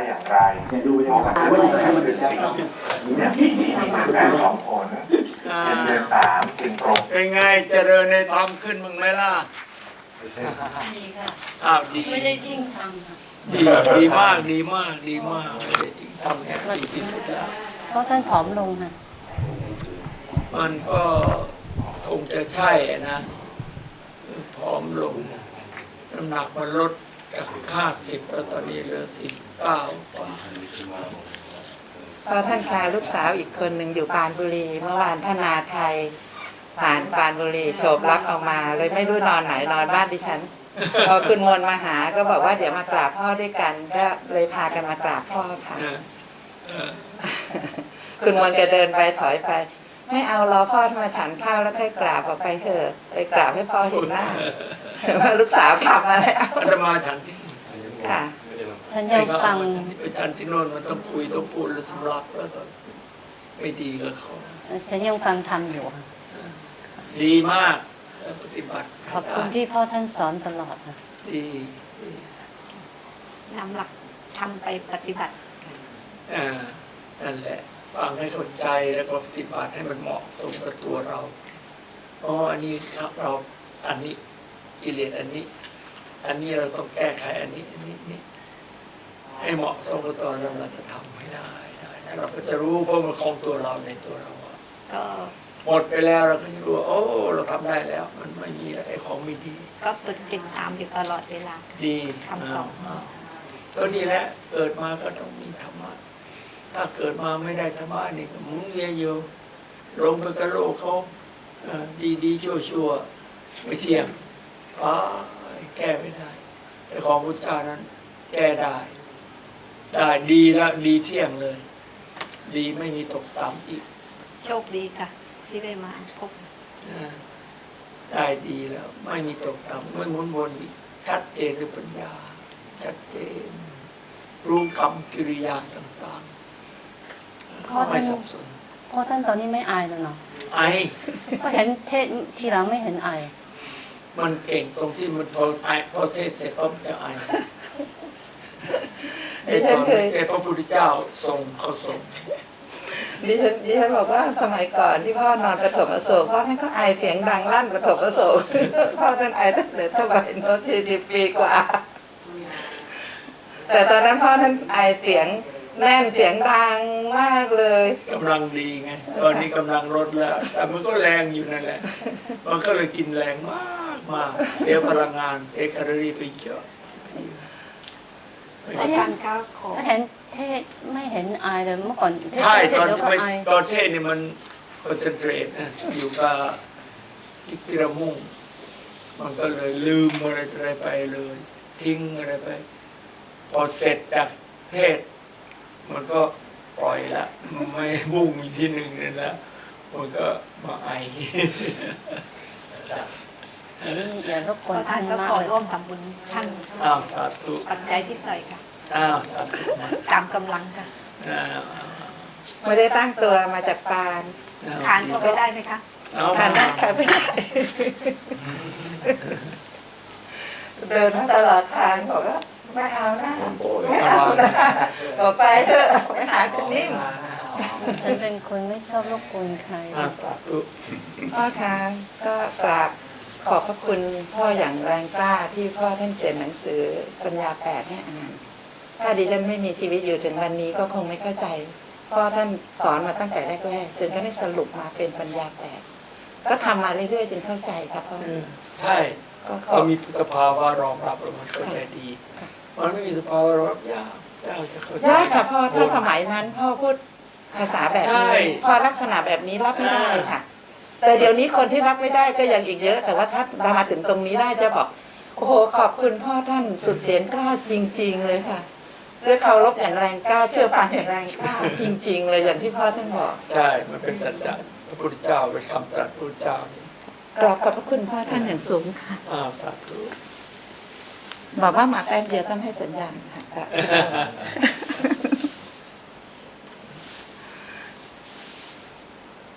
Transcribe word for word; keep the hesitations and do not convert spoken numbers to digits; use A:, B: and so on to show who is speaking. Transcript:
A: อย่างไร
B: อย่าดูอย่างไรว่าอย่างไรมันถึงได้ครับ
A: อย่างที่มีแฟนสองคนเป็นเดือนสามจึงตรง
C: เป็นไงเจริญในธรรมขึ้นมึงไหมล่ะ
D: ดีค่ะ
C: อ้าวดี
D: ไม่ได้ทิ้งทำค่ะ
C: ดีดีมากดีมากดีมากไม่ได้ทิ้งทำแค่ดีที่สุดแล้ว
D: เพราะท่านผอมลงค่ะ
C: มันก็คงจะใช่นะผอมลงน้ำหนักมันลดจากห้าสิบแล้วตอนนี้เหลือสี่สิบเก้ากว่า
E: พอท่านพาลูกสาวอีกคนหนึ่งอยู่ปรานบุรีเมื่อวานท่านนาไทยผ่านปรานบุรีโฉบรับออกมาเลยไม่รู้นอนไหนนอนบ้านดิฉันพอคุณมนมาหาก็บอกว่าเดี๋ยวมากราบพ่อด้วยกันก็เลยพากันมากราบพ่อค่ะ
C: นะเออ
E: คุณมนก็เดินไปถอยไป ไม่เอารอพ่อมาฉันข้าวแล้วค่อยกราบออกไปเถอะไปกราบให้พ่อเห็นหน้าว่าลูกสาวกลับมาแล้ว
C: อาตมาฉันที่
E: ค่ะ
D: ฉันยังฟัง
C: ไปฉันที่โน่นมันต้องคุยต้องพูดแล้วสำลักแล้วก็ไม่ดีกับเขา
D: ฉันยังฟังทำอยู่ค่ะ
C: ดีมากแล้วปฏิบัติ
D: ขอบคุณที่พ่อท่านสอนตลอดค่ะ
C: ดีดี
F: นำหลักทำไปปฏิบัติ
C: อ่านั่นแหละ ฟังให้เข้าใจแล้วก็ปฏิบัติให้มันเหมาะสมกับตัวเราอ๋ออันนี้ครับเราอันนี้กิเลสอันนี้ อันนี้เราต้องแก้ไขอันนี้อันนี้นี่ให้เหมาะสมกับตัวเราเราจะทำไม่ได้ได้นะเราก็จะรู้เพราะมันของตัวเราในตัวเราอะ
F: ก็
C: หมดไปแล้วเราก็จะรู้ว่าโอ้เราทำได้แล้ว มันไม่มีอะไรของไม่ดี
F: ก็ฝึกติดตามอยู่ตลอดเวลา
C: ดี
F: คำสอน
C: าก็ดีแล้วเกิดมาก็ต้องมีธรรมะถ้าเกิดมาไม่ได้ธรรมะนี่ก็หมุนเวียนอยู่ลงไปกับโลกเขาเอ่อดีดีชั่วชั่วไม่เที่ยงป้าแก้ไม่ได้ แต่ของพุทธเจ้านั้น แก้ได้ ได้ดีแล้วดีเที่ยงเลย ดีไม่มีตกต่ำอีก
F: โชคดีค่ะ ที่ได้มาพบ
C: นะได้ดีแล้ว ไม่มีตกต่ำไม่หมุนวนอีกชัดเจนด้วยปัญญา ชัดเจน รู้คำกิริยาต่างๆไม่สับสน
D: พ่อท่านตอนนี้ไม่อายแล้วเนาะ
C: ไอ
D: ก็เห็นเทศทีหลังไม่เห็นอาย
C: มันเก่งตรงที่มันพอไอพอเทศเสร็จปั๊บจะไอไอตอนไอพระพุทธเจ้าทรงเขาทรง
E: ดิฉันดิฉันบอกว่าสมัยก่อนที่พ่อนอนประถมอโศกพ่อท่านก็ไอเสียงดังลั่นประถมอโศกพ่อท่านไอตั้งแต่สมัยโน้นสี่สิบปีกว่า แต่ตอนนั้นพ่อท่านไอเสียงแน่นเสียงดังมากเลย
C: กำลังดีไง ตอนนี้กำลังลดแล้ว แต่มันก็แรงอยู่นั่นแหละ มันก็เลยกินแรงมากมากเสียพลังงาน เสียแคลอรี่ไปเยอะ
F: อาจารย์คะขอ
D: ถ้าเห็นเทศไม่เห็นอายเลยเมื่อก่อนเทศ
C: ใช่
D: เท
C: ต
D: ศ
C: อน
D: เดี๋ยวก็
C: ไม่
D: อาย
C: ตอนเทศนี่มันคอนเซนเทรตนะอยู่กับจิตติระมุ่ง มันก็เลยลืมอะไรอะไรไปเลย ทิ้งอะไรไป พอเสร็จจากเทศ มันก็ปล่อยละไม่บุ้งอีกที่หนึ่งเลยนะมันก็มาไอ
D: อันนี้อย่ารบก
F: ข
D: ว
F: อน ท่า
D: ท่าน น
F: ก็
D: มาก
F: ขอ
D: เลย
F: ร่วมทำบุญท่าน
C: อ้าวสาธุ
F: ปัจจัยที่หน่อยค่ะ
C: อ้าวสาธุมา
F: ตามกำลังค่ะ
C: อ้าว
E: ไม่ได้ตั้งตัวมาจากปาน
C: อ้ว
F: ทานเข้าไปได้ไหมคะ
C: เอา
E: ทานได้
C: มา
E: ค่ะไม่ได้เดินมาตลอดทางบอกว่าไม่เอานะไม่เอานะบอกไปเถอะไปหาคุณนิ่ม
D: ฉันเป็นคนไม่ชอบรบกวนใคร
C: อ้าวสาธุ
E: พ่อคะก็กราบขอบพระคุณพ่ออย่างแรงกล้าที่พ่อท่านเขียนหนังสือปัญญาแปดให้อ่าน ถ้าดิฉันไม่มีชีวิตอยู่ถึงวันนี้ก็คงไม่เข้าใจ พ่อท่านสอนมาตั้งแต่แรกๆจนก็ได้สรุปมาเป็นปัญญาแปดก็ทำมาเรื่อยๆจนเข้าใจครับพ่อ
C: ใช่
E: ก็ข
C: ก็
E: อบ
C: มีสภาวะรองรับแล้วมันเข้าใจดี มันไม่มีสภาวะรองรับยากยากจะเข้าใจ
E: ยากค่ะพ่อถ้าสมัยนั้นพ่อพูดภาษาแบบ
C: ใช่
E: นี้พ่อลักษณะแบบนี้รับไม่ได้ค่ะ แต่เดี๋ยวนี้คนที่รับไม่ได้ก็ยังอีกเยอะ แต่ว่าถ้าเรามาถึงตรงนี้ได้จะบอกโอ้โหขอบคุณพ่อท่านสุดเสียงกล้าจริง ๆ เลยค่ะด้วยเคารพอย่างแรงกล้าเชื่อฟังอย่างแรงกล้าจริง ๆ เลยอย่างที่พ่อท่านบอก
C: ใช่ มันเป็นสัจจะพระพุทธเจ้าเป็นคำตรัสพระพุทธเจ้าก
E: ราบขอบพระคุณพ่อท่านอย่างสูงค่ะ
C: อ้าวสาธุ
E: บอกว่ามาแป๊บเดียวต้องให้สัญญาณค่ะ